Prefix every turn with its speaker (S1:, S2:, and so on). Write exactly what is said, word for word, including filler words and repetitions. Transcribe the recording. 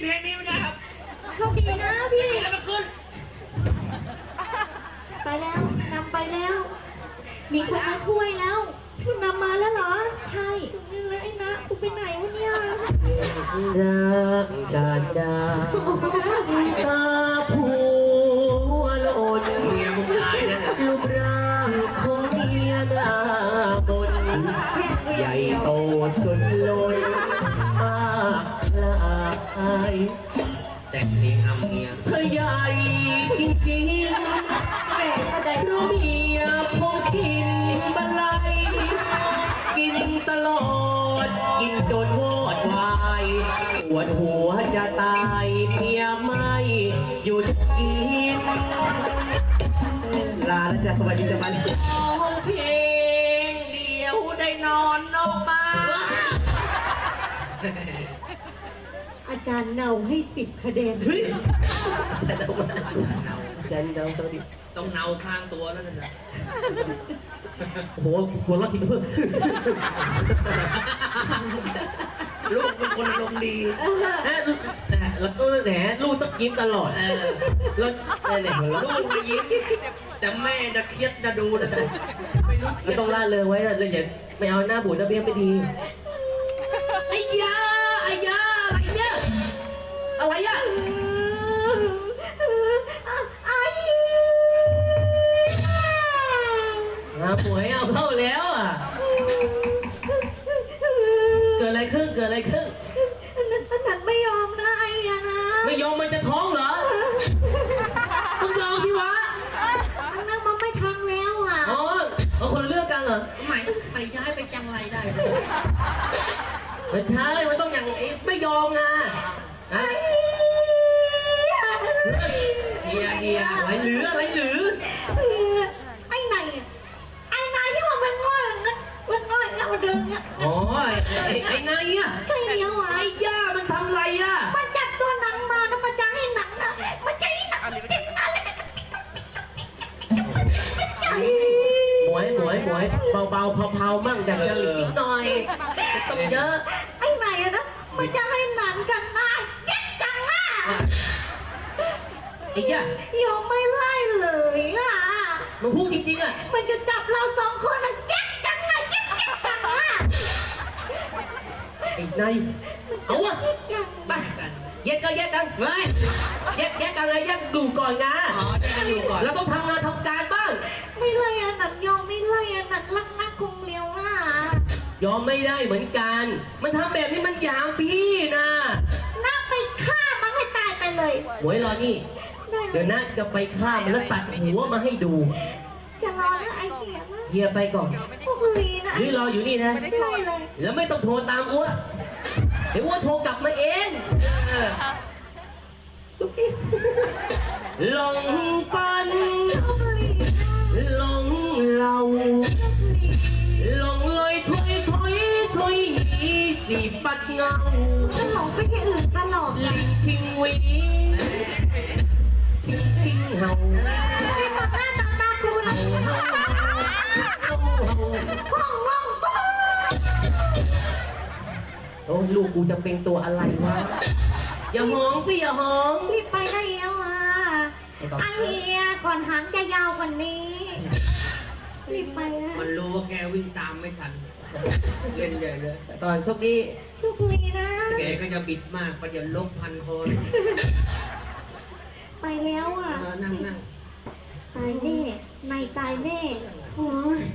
S1: เพลงนี้ไม่ได้ครับ
S2: โชคดีนะพี่
S1: แล้วมันขึ้น
S3: ไปแล้วนำไปแล้ว
S2: มีคนมาช่วยแล้ว
S3: คุณนำมาแล้วเหรอ
S2: ใช่
S3: นี่แล้วไอ้นะกูไปไหนวะเนี่ย
S4: รักการดาตาผัวโลด
S1: เมียมึงตายแล้วเนี่ย
S4: รูปร่างของเมียหน้าบนใหญ่โตจนล้นมากละอาย
S1: แต่งเพลงอำเมีย
S4: เธอใหญ่จริงๆแต่ใจรู้เมียพงกินบันไลกินตลอดกินจนวอดวายปวดหัวจะตายเมียไม่หยุดกินลาแล้วจ้ะสวัสดีจ้ะมัน
S1: เพลงเดียวได้นอนนอกบ้าน
S3: อาจารย์เนาให้สิบคะแนน
S4: เฮ้ยจะเดามา
S1: อาจารย์เนา
S4: จะเดาตัวดิ
S1: ต้องเนาข้างตัวแล้วนะ
S4: โอ้โหหัวเราะทีเพิ่ม
S1: ลูกเป็นคนอารมณ์ดี
S4: แล้วก็แหมลูกต้องยิ้มตลอดเออแล้วเนี่ย
S1: ลูกมายิ้มแต่แม่จะเครียดจะดูนะไม่รู้
S4: ไม่ต้องล่าเลยไว้เลยอย่าไม่เอาหน้าบูดหน้าเบี้ยไม่ดี
S1: ไอ้ยาไอ้ยาอะไรเนี่ยอะไรอ่ะ
S3: ไอ้
S4: อาป่วยเอาเข้าแล้วอ่ะเกิดอะไรขึ้นเกิดอะไรขึ้น
S3: อันนั้นไม่ยอมนะไอ้ยานะ
S4: ไม่ยอมมันจะท้องเหรอต้องยอมพี่วะ
S3: อันนั้นมันไม่ทังแล้วอ่ะ
S4: อ๋อเอาคนละเรื่องกันเหรอ
S1: หมายไปย้ายไปจังไรได้
S4: ไม่ใช่มันต้องอย่างไอ้ไม่ยอมนะไอ้
S1: เฮียเฮีย
S4: อะไรหรืออะไรหรือ
S3: ไอ้ไหนไอ้ไหนที่มันเป็นง่อยนะเป็นง่อยเนี่ยมันเดินเนี่ย
S4: อ๋อไอ้ไอ้นายอ่ะ
S3: ใช่เดียวอ่ะ
S4: ไอ้ย่ามันทำไรอ่ะ
S3: มันจับตัวหนังมาแล้วมันจะให้หนังอ่ะมันจะให้หนังเด็กอะไรกัน
S4: หมวยหมวยหมวยเบาๆเผาๆมั่งแต่จะหลีกหน่อยต้องเยอะ
S3: ไอ้ไหนอะนะมันจะให้หนังกันหน้าเด็กจังอ่ะ
S4: ไอ้ย่าย
S3: อมไม่ไล่เลยอ่ะ
S4: มันพูดจริงๆอ่ะ
S3: มันจะจับเราสองคนอะเด็กจังอ่ะเด็กจังอ่ะ
S4: ไอ้นายเอาวะ
S1: ไปกัน
S4: แยกก็แยกกันเฮ้ยแยกแยกกันเลยแยกดูก่อนนะ
S1: อ๋อแยกกันดูก่อน
S4: แล้วต้องทำงานทำการบ้าง
S3: ไม่ไล่อะหนังยอมไม่ไล่อะหนังรักนักคงเลี้ยวอ่ะ
S4: ยอมไม่ได้เหมือนกันมันทำแบบนี้มันหยามพี่นะ
S3: น่าไปฆ่ามันให้ตายไปเลย
S4: หวยรอนี่เดี๋ยวนะจะไปฆ่ามันแล้วตัดหัวมาให้ดู
S3: จะรอนะไอเสียนะ
S4: เฮียไปก่อน
S3: พวกลีนะ
S4: หรือรออยู่นี่นะ
S3: ไม่ไล่เลย
S4: แล้วไม่ต้องโทรตามอ้วเดี๋ยวอ้วโทรกลับมาเองหลงปันหลงเราหลงลอยถอยถอยถอยหนีสีปัดเงา
S3: จะหลงไปที่อื่นตลอด
S4: ลิงชิงวีชิงชิงเห่า
S3: ไม่ต่อหน้าต่อตากูนะห้องห้อง
S4: โอ้ลูกกูจะเป็นตัวอะไรวะอย่าหองสิอย่าหอง
S3: รีบไปได้แล้วอ่ะไอเฮียก่อนหางจะยาวกว่านี้รีบไปนะ
S1: มันรู้ว่าแกวิ่งตามไม่ทันเล่นใหญ่เลย
S4: ก่อนโชคดี
S3: โชคดีนะ
S1: แกก็จะบิดมากประเดี๋ยวลบพันคอ
S3: ไปแล้วอ่ะ
S1: นั่งนั่ง
S3: ตายแน่นายตายแน่
S2: โอ้